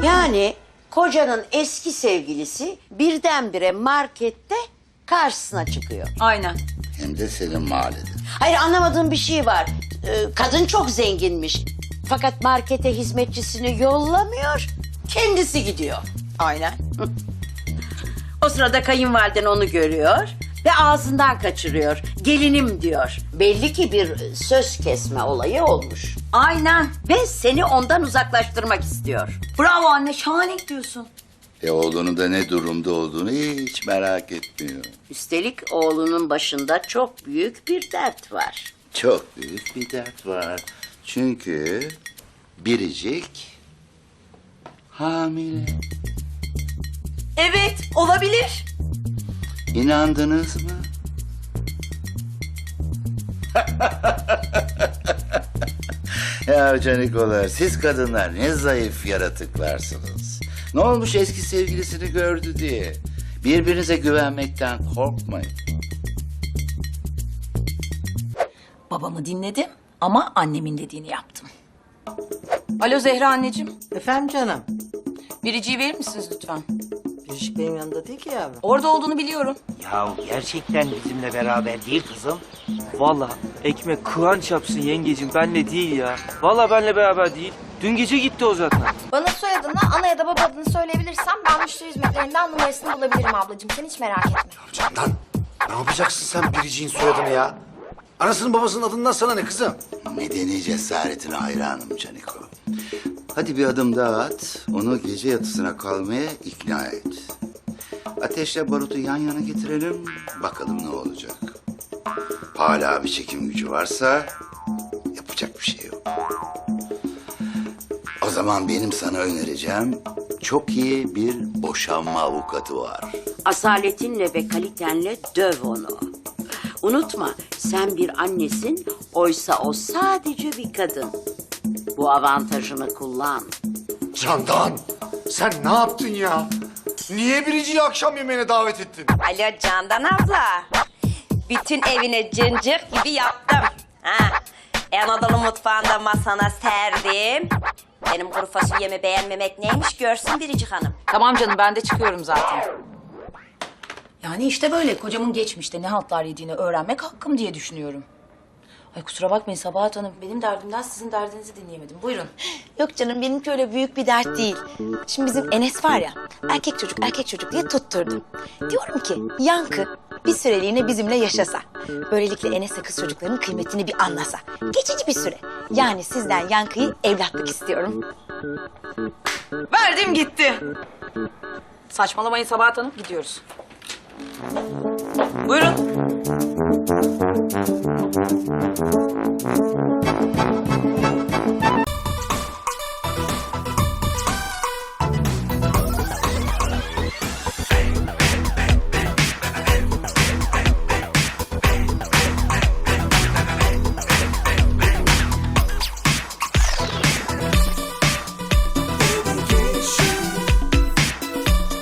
Yani kocanın eski sevgilisi birdenbire markette karşısına çıkıyor. Aynen. Hem de senin mahallede. Hayır, anlamadığım bir şey var. Kadın çok zenginmiş. Fakat markete hizmetçisini yollamıyor, kendisi gidiyor. Aynen. O sırada kayınvaliden onu görüyor ve ağzından kaçırıyor. Gelinim diyor. Belli ki bir söz kesme olayı olmuş. Aynen. Ve seni ondan uzaklaştırmak istiyor. Bravo anne, şahane gidiyorsun. Oğlunun da ne durumda olduğunu hiç merak etmiyor. Üstelik oğlunun başında çok büyük bir dert var. Çok büyük bir dert var. Çünkü Biricik hamile. Evet, olabilir. İnandınız mı? Ya canikolar, siz kadınlar ne zayıf yaratıklarsınız. Ne olmuş eski sevgilisini gördü diye. Birbirinize güvenmekten korkmayın. Babamı dinledim ama annemin dediğini yaptım. Alo Zehra anneciğim. Efendim canım. Biriciği verir misiniz lütfen? Biricik benim yanımda değil ki yavrum. Orada olduğunu biliyorum. Ya gerçekten bizimle beraber değil kızım. Vallahi ekmek kıvanç yapsın yengecim, benle değil ya. Vallahi benle beraber değil. Dün gece gitti o zaten. Bana soyadını, ana ya da baba adını söyleyebilirsen ben müşteri hizmetlerinden numarasını bulabilirim ablacığım. Sen hiç merak etme. Candan, ne yapacaksın sen Biricik'in soyadını ya? Anasının babasının adından sana ne kızım? Medeni cesaretine hayranım Caniko. Hadi bir adım daha at, onu gece yatısına kalmaya ikna et. Ateşle barutu yan yana getirelim, bakalım ne olacak. Hala bir çekim gücü varsa yapacak bir şey yok. O zaman benim sana önereceğim çok iyi bir boşanma avukatı var. Asaletinle ve kalitenle döv onu. Unutma, sen bir annesin, oysa o sadece bir kadın. Bu avantajını kullan. Candan, sen ne yaptın ya? Niye Biricik'i akşam yemeğine davet ettin? Alo Candan abla. Bütün evine cıncık gibi yaptım. Ha. Anadolu mutfağında masana serdim. Benim kuru fasulyemi beğenmemek neymiş görsün Biricik Hanım. Tamam canım, ben de çıkıyorum zaten. Yani işte böyle kocamın geçmişte ne haltlar yediğini öğrenmek hakkım diye düşünüyorum. Ay kusura bakmayın Sabahat Hanım, benim derdimden sizin derdinizi dinleyemedim. Buyurun. Yok canım benimki öyle büyük bir dert değil. Şimdi bizim Enes var ya erkek çocuk diye tutturdum. Diyorum ki Yankı bir süreliğine bizimle yaşasa. Böylelikle Enes'le kız çocuklarının kıymetini bir anlasa. Geçici bir süre. Yani sizden Yankı'yı evlatlık istiyorum. Verdim gitti. Saçmalamayın Sabahat Hanım, gidiyoruz. Buyurun.